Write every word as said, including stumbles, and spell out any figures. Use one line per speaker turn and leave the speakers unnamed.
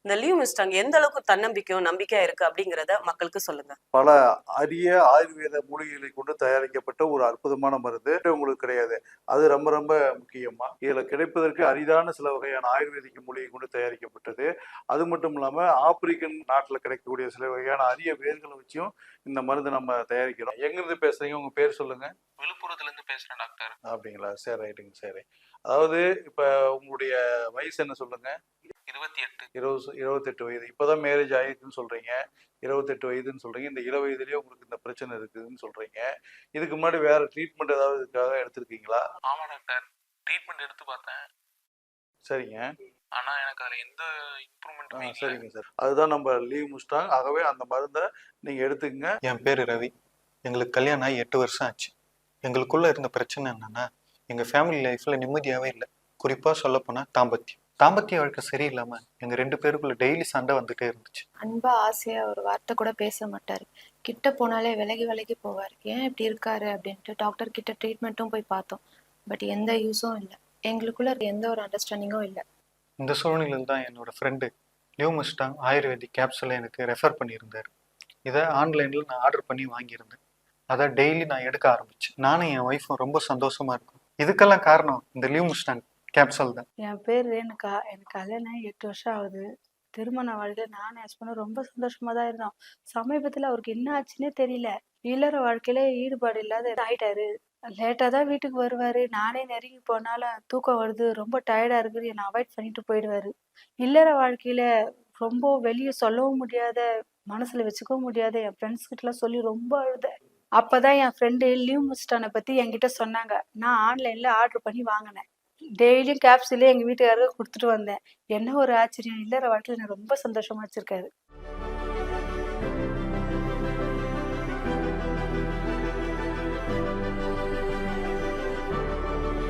இந்த லீவ் மிஸ்டாங் எந்த அளவுக்கு தன்னம்பிக்கையும் நம்பிக்கையா இருக்கு அப்படிங்கிறத மக்களுக்கு சொல்லுங்க.
பல அரிய ஆயுர்வேத மூலிகைகளை கொண்டு தயாரிக்கப்பட்ட ஒரு அற்புதமான மருந்து உங்களுக்கு கிடையாது. அது ரொம்ப ரொம்ப முக்கியமா இதுல கிடைப்பதற்கு அரிதான சில வகையான ஆயுர்வேதிக் மூலிகை கொண்டு தயாரிக்கப்பட்டது. அது மட்டும் இல்லாம ஆப்பிரிக்கன் நாட்டுல கிடைக்கக்கூடிய சில வகையான அரிய வேர்களை வச்சும் இந்த மருந்து நம்ம தயாரிக்கிறோம். எங்கிருந்து பேசுறீங்க? உங்க பேர் சொல்லுங்க.
விழுப்புரத்துல இருந்து பேசுறேன் டாக்டர்.
அப்படிங்களா? சரி, ரைட்டுங்க. சரி, அதாவது இப்ப உங்களுடைய வயசு என்ன சொல்லுங்க?
இருபத்தி எட்டு.
இருபது இருபத்தெட்டு வயது. இப்பதான் மேரேஜ் ஆயிருக்குன்னு சொல்றீங்க. இருபத்தெட்டு வயதுன்னு சொல்றீங்க. இந்த இள வயதுலயே உங்களுக்கு இந்த பிரச்சனை இருக்குதுன்னு சொல்றீங்க. இதுக்கு முன்னாடி வேற ட்ரீட்மெண்ட் ஏதாவது இதுக்காக எடுத்திருக்கீங்களா?
ஆமா டாக்டர், ட்ரீட்மெண்ட் எடுத்து பார்த்தேன்.
சரிங்க.
ஆனா எனக்கு அதுல எந்த இம்ப்ரூவ்மெண்ட்டும் இல்ல.
சரிங்க சார். அதுதான் நம்ம லீவ் மிஸ்டாங். ஆகவே அந்த மருந்தை நீங்க எடுத்துக்கங்க.
என் பேரு ரவி. எங்களுக்கு கல்யாணம் ஆகி எட்டு வருஷம் ஆச்சு. எங்களுக்குள்ள இருந்த பிரச்சனை என்னன்னா, எங்க ஃபேமிலி லைஃப்ல நிம்மதியாவே இல்லை. குறிப்பா சொல்ல போனா தாம்பத்தியம் தாம்பத்திய வாழ்க்கை சரியில்லாம எங்க ரெண்டு பேருக்குள்ள டெய்லி சண்டை வந்துட்டே இருந்துச்சு.
அன்பா ஆசையா ஒரு வார்த்தை கூட பேச மாட்டாரு. கிட்ட போனாலே விலகி விலகி போவார். ஏன் இப்படி இருக்காரு அப்படின்ட்டு டாக்டர் கிட்ட ட்ரீட்மெண்ட்டும் போய் பார்த்தோம். பட் எந்த யூஸும் இல்லை. எங்களுக்குள்ள எந்த ஒரு அண்டர்ஸ்டாண்டிங்கும் இல்லை.
இந்த சூழ்நிலையில் தான் என்னோட ஃப்ரெண்டு லீவ் மிஸ்டாங் ஆயுர்வேதிக் கேப்சூலை எனக்கு ரெஃபர் பண்ணியிருந்தார். இதை ஆன்லைனில் நான் ஆர்டர் பண்ணி வாங்கியிருந்தேன். அதை டெய்லி நான் எடுக்க ஆரம்பிச்சேன். நானும் என் ஒய்ஃபும் ரொம்ப சந்தோஷமா இருக்கும். இதுக்கெல்லாம் காரணம் இந்த லீவ் மிஸ்டாங் கேப்சூல் தான்.
என் பேர் ரேணுகா. எனக்கு கல்யாணம் எட்டு வருஷம் ஆகுது. திருமண வாழ்க்கையில நானும் ஹஸ்பண்டும் ரொம்ப சந்தோஷமா தான் இருந்தோம். சமீபத்துல அவருக்கு என்ன ஆச்சுன்னே தெரியல. இல்லற வாழ்க்கையில ஈடுபாடு இல்லாத ஆயிட்டாரு. லேட்டா தான் வீட்டுக்கு வருவாரு. நானே நெருங்கி போனாலும் தூக்கம் வருது, ரொம்ப டயர்டா இருக்குது, என்னை அவாய்ட் பண்ணிட்டு போயிடுவாரு. இல்லற வாழ்க்கையில ரொம்ப வெளியே சொல்லவும் முடியாத, மனசுல வச்சுக்கவும் முடியாத என் ஃப்ரெண்ட்ஸ் கிட்ட எல்லாம் சொல்லி ரொம்ப அழுத. அப்பதான் என் ஃப்ரெண்டு லீவ் மிஸ்டானை பத்தி என்கிட்ட சொன்னாங்க. நான் ஆன்லைன்ல ஆர்டர் பண்ணி வாங்கினேன். டெய்லியும் கேப்சூலே எங்க வீட்டுக்காரருக்கு கொடுத்துட்டு வந்தேன். என்ன ஒரு ஆச்சரியம்! இல்லற வாழ்க்கையில எனக்கு ரொம்ப சந்தோஷமா வச்சிருக்காரு.